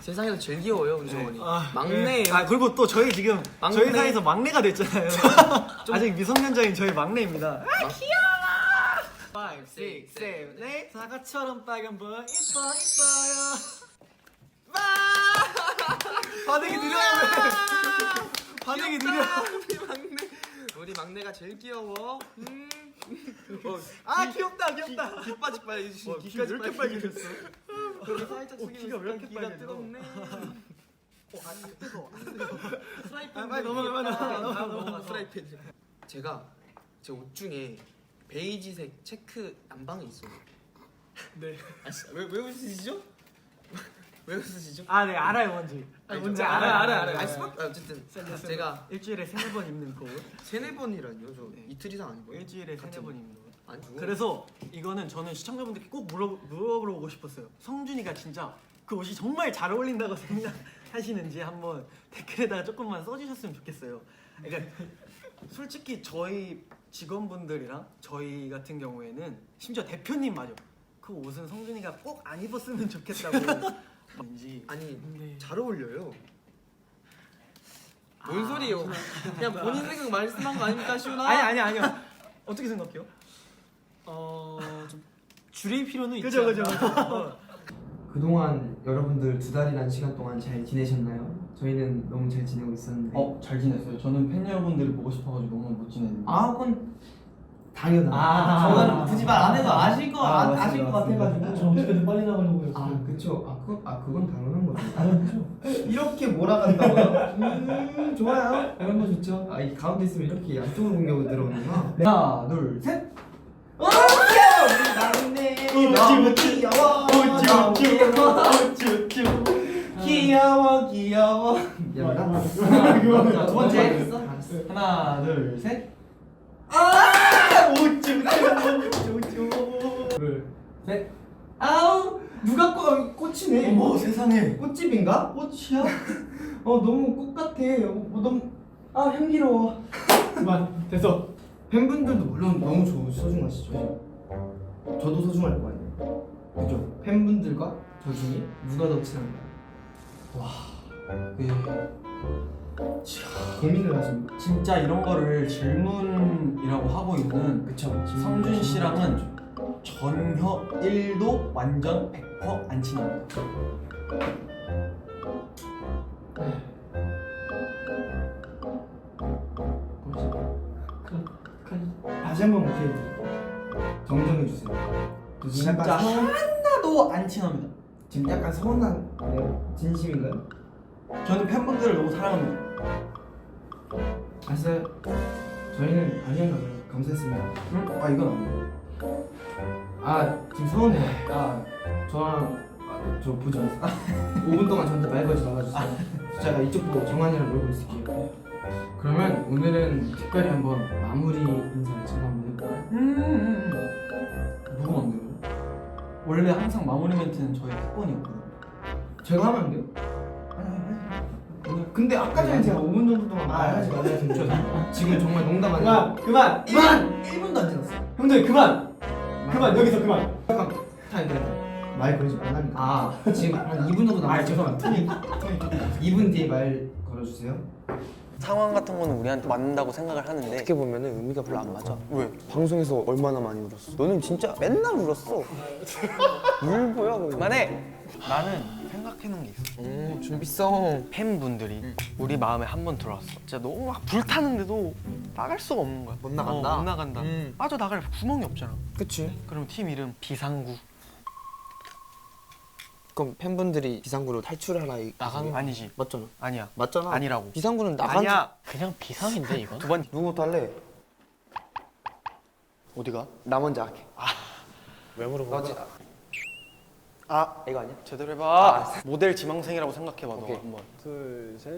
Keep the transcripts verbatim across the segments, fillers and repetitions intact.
세상에서 제일 귀여워요 우리 정원이. 네. 아, 막내예요. 네. 아 그리고 또 저희 지금 막내. 저희 사이에서 막내가 됐잖아요. 아직 미성년자인 저희 막내입니다. 아 귀여워. 오, 육, 칠, 팔 사과처럼 빨간 불 이뻐 이뻐요. 반응이 느려요. 반응이 느려. 우리 막내 우리 막내가 제일 귀여워. 음. 어, 아 귀엽다 귀엽다. 귀 빠직 빨개지시. 어, 귀가 왜 이렇게 빨개졌어? 그렇게 살짝 어, 귀가 왜 이렇게 기가 빨개져? 뜨겁네. 어, 아, 뜨거워. 프라이팬. 아, 빨리 넘어가, 빨리 넘어가, 넘어가, 넘어가. 프라이팬. 제가 제 옷 중에 베이지색 체크 남방이 있어요. 네. 왜왜 웃으시죠? 왜 웃으시죠? 아, 네 알아요 뭔지. 아니, 뭔지 좀- 알아요, 알아요, 아니, 알아요. 스마- 아, 어쨌든 제가 일주일에 세네 번 입는 거. 세네 번이라니요. 저 네. 이틀 이상 아니고 일주일에 세네 번 입는 거. 아니 그거- 그래서 이거는 저는 시청자분들께 꼭 물어 물어보고 싶었어요. 성준이가 진짜 그 옷이 정말 잘 어울린다고 생각하시는지 한번 댓글에다가 조금만 써주셨으면 좋겠어요. 그러니까 솔직히 저희 직원분들이랑 저희 같은 경우에는 심지어 대표님마저 그 옷은 성준이가 꼭 안 입었으면 좋겠다고. 왠지 아니 네. 잘 어울려요. 뭔 아, 소리예요? 그냥 본인 생각 말씀한 거 아닙니까, 시훈아? 아니 아니 아니요. 어떻게 생각해요? 어좀 줄일 필요는 있지 그죠, 그죠, 않나? 그동안 여러분들 두 달이란 시간 동안 잘 지내셨나요? 저희는 너무 잘 지내고 있었는데 어, 잘 지냈어요. 저는 팬 여러분들이 보고 싶어가지고 너무 못 지냈는데. 아 그건 당연하다. 아, 저는 굳이 말 안 해도 아실 거 아, 아, 맞습니다, 아실 것 맞습니다. 같아가지고 저 어떻게든 빨리 나가려고 했어요. 아 그쵸. 아 그거 아 그건 당연한 거죠. 아, 그렇죠. 이렇게 몰아간다고요? 음 좋아요. 이런 거 좋죠. 아 이 가운데 있으면 이렇게 양쪽으로 공격을 들어오는구나. 하나, 둘, 셋. 오 귀여워 나는데 너무 귀여워 너무 귀여워 귀여워 귀여워 미안하다. 자, 두 번째. 알았어? 알았어. 하나, 둘, 셋. 둘, 셋. 아우 누가 꽃 꽃이네. 어머, 세상에. 꽃집인가? 꽃이야? 어 너무 꽃 같아. 어, 너무 아 향기로워. 그만, 됐어. 팬분들도 물론 너무 조, 소중하시죠. 저도 소중할 거 아니에요. 그죠? 팬분들과 저 중에 누가 더 친한가요? 그, 고민을 하십니까? 진짜 이런 거를 질문이라고 하고 있는 그쵸. 성준 씨랑은 전혀 일도 완전 백 퍼센트 안 친합니다. 다시 한번 기회 드릴게요. 정정해 주세요. 진짜 약간 서, 하나도 안 친합니다. 지금 약간 서운한 네, 진심인가요? 저는 팬분들을 너무 사랑합니다. 아시나요? 저희는 아니었나 봐요. 감사했습니다. 응? 아, 이건 아니에요. 아 지금 서운해요. 아 저랑 아, 저 보지 마세요. 오 분 동안 저한테 말 걸지 말아주세요. 제가 이쪽 보고 정한이랑 놀고 있을게요. 그러면 오늘은 특별히 한번 마무리 인사를 제가 한번 해볼까요? 음, 음, 음. 누구 만들어요? 원래 항상 마무리 멘트는 저희 특권이었거든요. 제가 하면 안 돼요? 오늘 근데 아까 전에 제가 오 분 정도 동안 말하지 말아야 되죠. 지금 정말 농담 아니에요. 그만 그만 그만! 일 분도 안 지났어요. 형들 그만 그만 여기서 그만. 잠깐 타임 타임 말 걸지 말라니까. 아 지금 한 이 분 정도 남았어요. 아 죄송합니다. 이 분 뒤에 말 걸어주세요. 상황 같은 거는 우리한테 맞는다고 생각을 하는데 어떻게 보면은 의미가 별로 안 맞아. 왜? 방송에서 얼마나 많이 울었어? 너는 진짜 맨날 울었어. 울보야 거의. 그만해. 나는 생각해놓은 게 있어. 음, 준비성. 팬분들이 우리 마음에 한 번 들어왔어. 진짜 너무 막 불타는데도 나갈 수가 없는 거야. 못 나간다? 어, 못 나간다. 음. 빠져나갈 구멍이 없잖아. 그치. 그럼 팀 이름 비상구. 그럼 팬분들이 비상구로 탈출하라 이 나가는 아니지. 맞잖아. 아니야. 맞잖아. 아니라고. 비상구는 나간. 아니야. 그냥 비상인데 이건? 두 번. 누구부터 할래? 어디가? 나 먼저 할게. 왜 물어보는 너지. 거야? 아 이거 아니야? 제대로 해봐. 모델 지망생이라고 생각해봐. 너 오케이. 한번. 둘, 셋.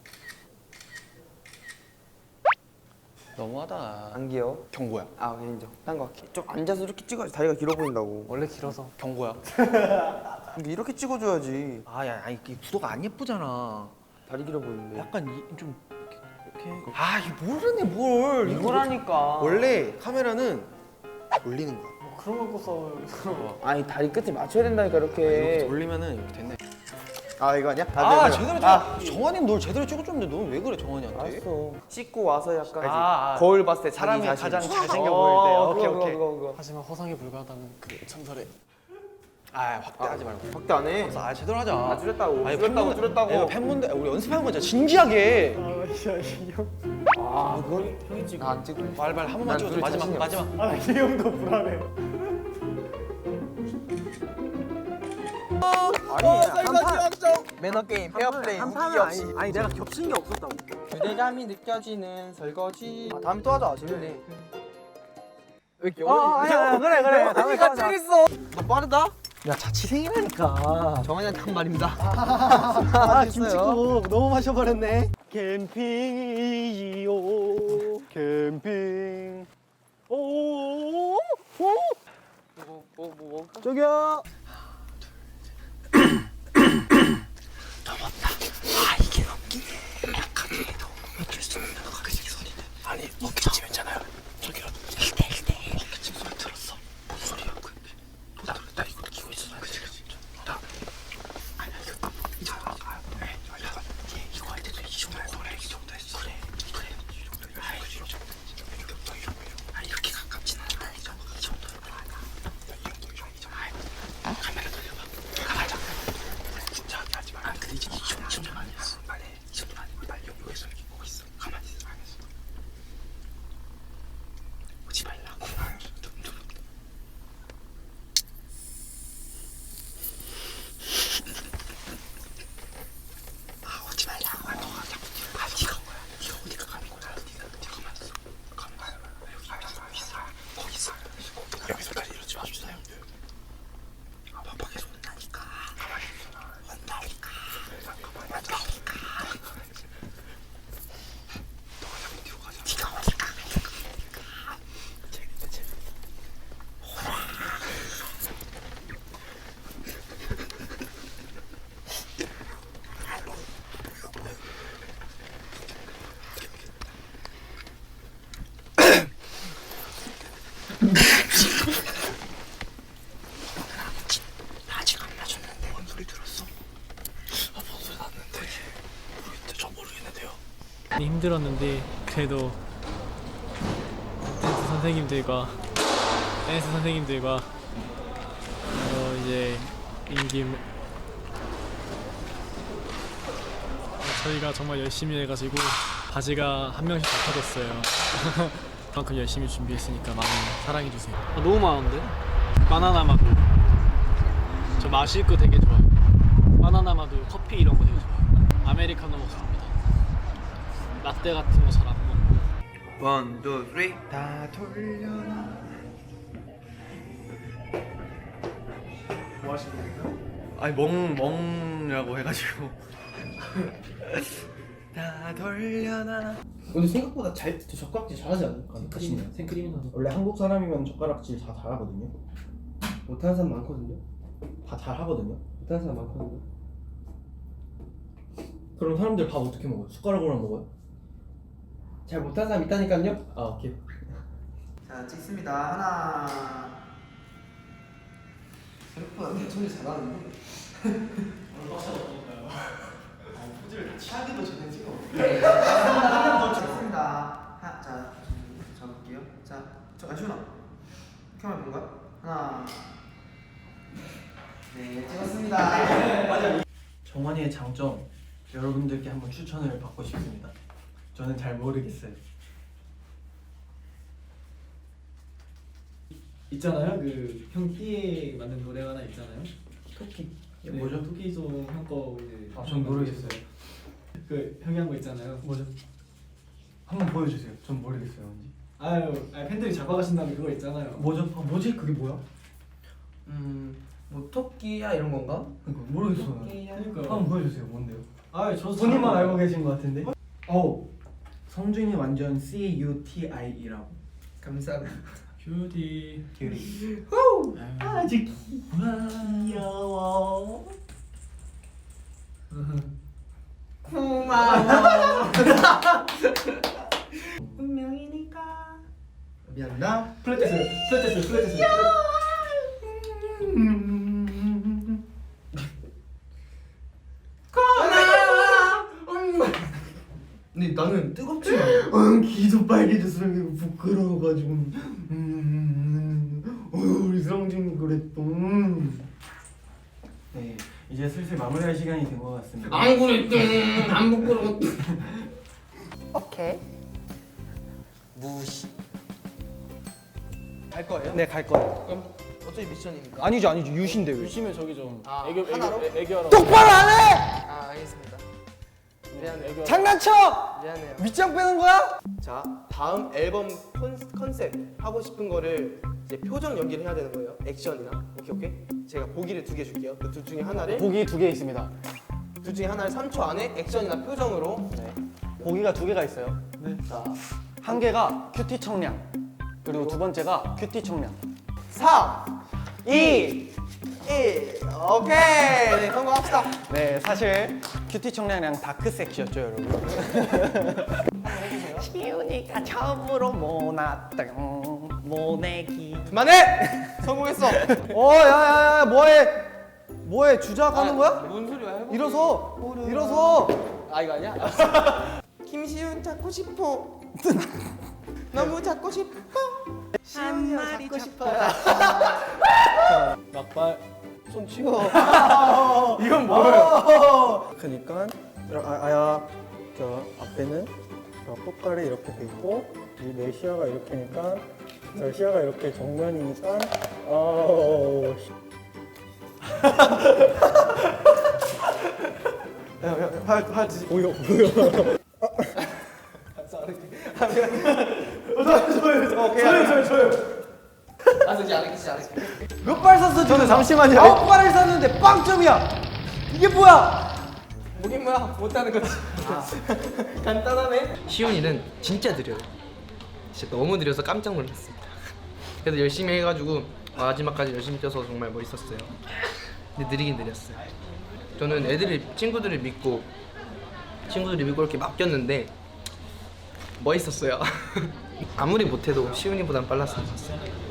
너무하다. 안 귀여워. 경고야. 아 인정. 딴 거 할게. 좀 앉아서 이렇게 찍어야지 다리가 길어 보인다고. 원래 길어서. 경고야. 근데 이렇게 찍어줘야지. 아야, 아니 이 구도가 안 예쁘잖아. 다리 길어 보이는데. 약간 이, 좀 이렇게. 이렇게. 아, 이 모르네 뭘. 이거라니까. 원래 카메라는 올리는 거야. 그런 거 꿔서 아니 다리 끝에 맞춰야 된다니까 이렇게 이렇게. 돌리면은 이렇게 됐네. 아 이거 아니야? 아, 네, 네. 제대로 찍어. 정환이는 널 제대로 찍어줬는데 넌 왜 그래 정환이한테? 알았어. 씻고 와서 약간 아, 아. 거울 봤을 때 사람이 자기 자신. 가장 잘생겨 어, 보일 때. 그거, 오케이 그거, 오케이. 그거, 그거. 하지만 허상에 불과하다는 그 전설의 아 확대하지 말고. 확대 안 해. 아 제대로 하자. 아 줄였다고. 아니, 줄였다고 팬분들- 줄였다고. 야, 팬분들 우리 연습하는 거잖아. 진지하게. 아 그건 형이 찍어. 나안 찍어. 빨리빨리 한 번만 난 찍어줘. 둘이 마지막 자신이 마지막. 매너 게임, 페어플레이, 한 판은 아니, 아니 내가 겹친 게 없었다고. 유대감이 느껴지는 설거지. 아, 다음에 또 하자. 재밌네. 왜 이렇게 어, 아니, 아니, 그래 그래. 다음에 네가 하자. 찍겠어. 너 빠르다? 야 자취생이라니까. 정한이한테 한 말입니다. 아 김치국 너무 마셔버렸네. 캠핑이지요. 캠핑. 오오오오. 뭐, 뭐, 뭐, 뭐. 저기요. 많이 힘들었는데 그래도 댄스 선생님들과 댄스 선생님들과 어 이제 임김 저희가 정말 열심히 해가지고 바지가 한 명씩 다 터졌어요. 그만큼 열심히 준비했으니까 많이 사랑해주세요. 아, 너무 많은데? 바나나 마도 저 마실 거 되게 좋아요. 바나나 마도 커피 이런 거 되게 좋아요. 아메리카노 먹습니다. 라떼 같은 거 잘 안 먹고. 원, 투, 쓰리. 다 돌려놔. 뭐 하시는 거예요? 아니 멍 멍이라고 해가지고. 다 돌려놔. 근데 생각보다 잘 젓가락질 잘하지 않을까? 생크림, 생크림은 원래 한국 사람이면 젓가락질 다 잘하거든요. 못하는 사람 많거든요. 다 잘하거든요. 못하는 사람 많거든요. 그럼 사람들 밥 어떻게 먹어요? 숟가락으로 먹어요? 잘 못하는 사람 있다니까요. 아 오케이. 자 찍습니다. 하나. 생각보다 대천이 잘하는데. 포즈를 다 취하기도 전에 찍어. 네. 하나 더 찍습니다. 하, 자 잡을게요. 자, 저 아시나? 카메라 본 거야? 하나. 네, 찍었습니다. 정환이의 장점 여러분들께 한번 추천을 받고 싶습니다. 저는 잘 모르겠어요. 있잖아요. 그 형 띠에 만든 노래가 하나 있잖아요. 토끼. 네, 뭐죠? 토끼송 형거 이제 아, 전 모르겠어요. 그 형이 한 거 있잖아요. 뭐죠? 한번 보여주세요. 전 모르겠어요, 뭔지. 아유, 아니, 팬들이 잡아가신다는 그거 있잖아요. 뭐죠? 아, 뭐지? 그게 뭐야? 음, 뭐 토끼야 이런 건가? 그러니까 모르겠어요. 토끼야. 그러니까. 한번 보여주세요. 뭔데요? 아유, 저도 본인만 잘 알고 계신 것 같은데. 어, 성준이 완전 C U T I라고. 감사합니다. 큐티. 큐리. 아주 귀여워. 고마워. 운명이니까. 미안하다. 플랫테스, 플랫테스, 플랫테스. 죄송해요 부끄러워가지고 음, 음, 어, 우리 성준이 그랬어. 네, 이제 슬슬 마무리할 시간이 된 것 같습니다. 안 그랬어. 안 부끄러워. 오케이. 무시. 갈 거예요? 네, 갈 거예요. 그럼 어차피 미션이니까. 아니죠, 아니죠. 유신데 왜? 유시면 저기 좀 아, 애교 하나로? 애교 애교하라고. 똑바로 안 해! 아 알겠습니다. 미안해요. 애교. 장난쳐! 미안해요. 밑장 빼는 거야? 자 다음 앨범 컨, 컨셉 하고 싶은 거를 이제 표정 연기를 해야 되는 거예요. 액션이나. 오케이 오케이. 제가 보기를 두 개 줄게요. 그 둘 중에 하나를 보기 두 개 있습니다. 둘 중에 하나를 삼 초 안에 액션이나 표정으로. 네. 보기가 두 개가 있어요. 네. 자, 한 개가 큐티 청량. 그리고 두 번째가 큐티 청량. 삼, 이, 일. 오케이. 네, 성공합시다. 네, 사실 큐티 청량이랑 다크 섹시였죠, 여러분. 시윤이가 처음으로 모났던 모내기. 그만해. 성공했어. 어, 야야야, 뭐해? 뭐해? 주작 하는 거야? 뭔 소리야? 해봐. 일어서! 일어서! 아 이거 아니야? 김시윤 잡고 싶어. 너무 잡고 싶어. 시윤이 잡고 싶어요. 막발. 손 치워. 이건 뭐예요? 그니까 아, 아야 저 앞에는 저 꽃갈이 이렇게 돼 있고 내 시야가 이렇게니까 저 시야가 이렇게 정면이니까 어 야야팔팔 뒤. 보여 보여 저요 저요 저요. 알았어 이제 알겠지 알겠지. 몇 발 샀어? 저는 잠시만요. 아홉 발을 샀는데 빵점이야. 이게 뭐야? 뭐긴 뭐야 못하는 거지. 간단하네. 시온이는 진짜 느려요. 진짜 너무 느려서 깜짝 놀랐습니다. 그래도 열심히 해가지고 마지막까지 열심히 뛰어서 정말 멋있었어요. 근데 느리긴 느렸어요. 저는 애들이 친구들을 믿고 친구들이 믿고 이렇게 막 뛰었는데 멋있었어요. 아무리 못해도 시온이보단 빨랐으면 좋겠어요.